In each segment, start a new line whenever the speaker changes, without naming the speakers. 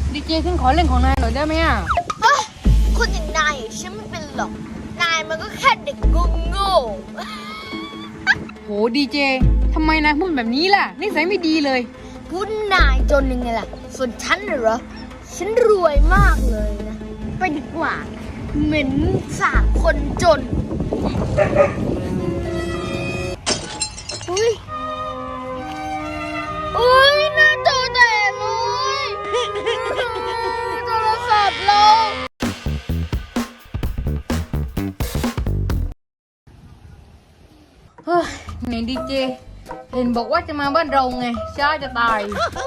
ดีเจฉันขอเล่นของนายหน่อยได้ไหมอ่ะ
คนอย่างนายฉันไม่เป็นหรอกนายมันก็แค่เด็กโง่
โหดีเจทำไมนายพูดแบบนี้ล่ะนิสัยไม่ดีเลย
พูดนายจนยังไงล่ะส่วนฉันเหรอฉันรวยมากเลยนะไปดีกว่าเหม็นสาบคนจนอุ้ยหน้าจอแตกเลยโทรศัพท์เรา
เฮ้ยไหนดีเจเห็นบอกว่าจะมาบ้านเราไงช้าจะตาย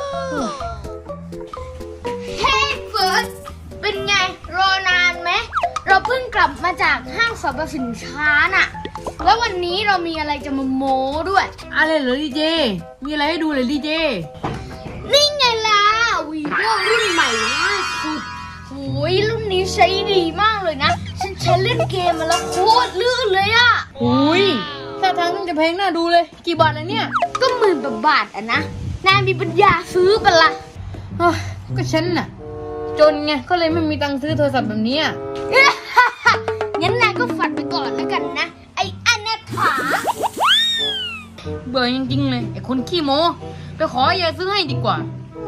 เฮ้ยเฟิร์สเป็นไงรอนานไหมเราเพิ่งกลับมาจากห้างสรรพสินค้าน่ะแล้ววันนี้เรามีอะไรจะมาโม้ด้วย
อะไรเหรอดีเจมีอะไรให้ดูเลยดีเจ
นี่ไงล่ะวีโวรุ่นใหม่ล่าสุดโอ้ยรุ่นนี้ใช้ดีมากเลยนะฉันใช้เล่นเกมมาแล้วโคตรลื่นเลยอะ
อุ้ยท่าทางต้องจะแพงน่าดูเลยกี่บาทแล้วเนี่ย
ก็10,000 บาทอะนะนายมีปัญญาซื้อปะล่ะ
ก็ฉันน่ะจนไงก็เลยไม่มีตังค์ซื้อโทรศัพท์แบบนี้
งั้นนายก็ฝันไปก่อนแล้วกันนะไอ้อนาถา
เบื่อจริงๆเลยไอ้คนขี้โม้ไปขอยายซื้อให้ดีกว่า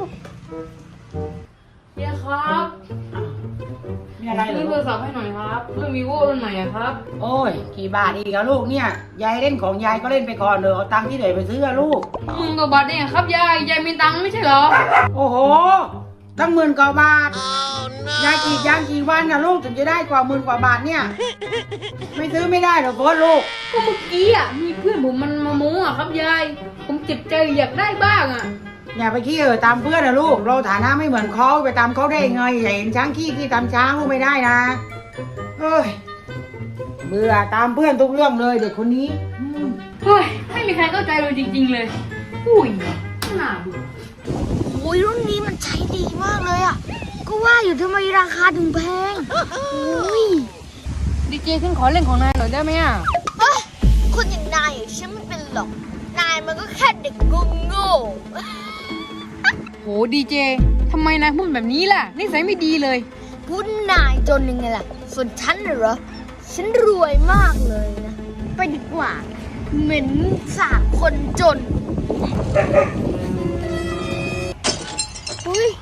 เฮียครับ
มีอะไรเหรอ
ซื้อโทรศัพท์ให้หน่อยครับเรื่อง vivo รุ่นใหม่อะครับ
โอ้ยกี่บาทอีกอะลูกเนี่ยยายเล่นของยายก็เล่นไปก่อนเลยเอาตังค์ที่ไหนไปซื้ออะลูก
10,000 กว่าบาทเนี่ยครับยายมีตังค์ไม่ใช่เหรอ
โอ้โหตั้ง10,000 กว่าบาทยายกี่ยังกี่วันอะลูกถึงจะได้กว่า10,000 กว่าบาทเนี่ยไม่ซื้อไม่ได้หรอกโฟนลูก
ก็เมื่อกี้อะมีเพื่อนผมมันมาโม้อะครับยายผมเจ็บใจอยากได้บ้างอะ
อย่าไปขี้ตามเพื่อนนะลูกเราฐานะไม่เหมือนเขาไปตามเขาได้ไงอย่าเห็นช้างขี้ตามช้างลูกไม่ได้นะเอ้ยเบื่อตามเพื่อนทุกเรื่องเลยเด็กคนนี้
เฮ้ยไม่มีใครเข้าใจเลยจริงๆเลยอุ้ยน่าดู
โอ้ยรุ่นนี้มันใช้ดีมากเลยอ่ะก็ว่าอยู่ทำไมราคาถึงแพงโอ้ย
ดีเจฉันขอเล่นของนายหน่อยได้ไหมอ่ะ
คนอย่างนายฉันไม่เป็นหรอกนายมันก็แค่เด็กโง่
โหดีเจทำไมนายพูดแบบนี้ล่ะนิสัยไม่ดีเลย
พูดนายจนยังไงล่ะส่วนฉันเหรอฉันรวยมากเลยนะไปดีกว่าเหม็นสาบคนจนอุ้ย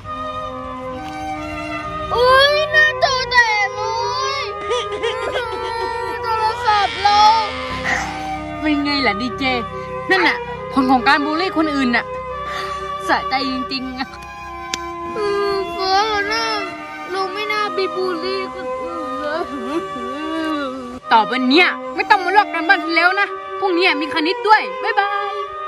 หน้าจอแตกเลยโทรศัพท์เรา
เป็นไงล่ะดีเจนั่นน่ะผลของการบูลลี่คนอื่นน่ะสะใจจริงๆอะ
เฟิร์สนะเราไม่น่าไปบูลลี่คนอื่นเลย
ต่อไปเนี้ยไม่ต้องมาลอกกันบ้านฉันแล้วนะพรุ่งนี้มีคณิตด้วยบ๊ายบาย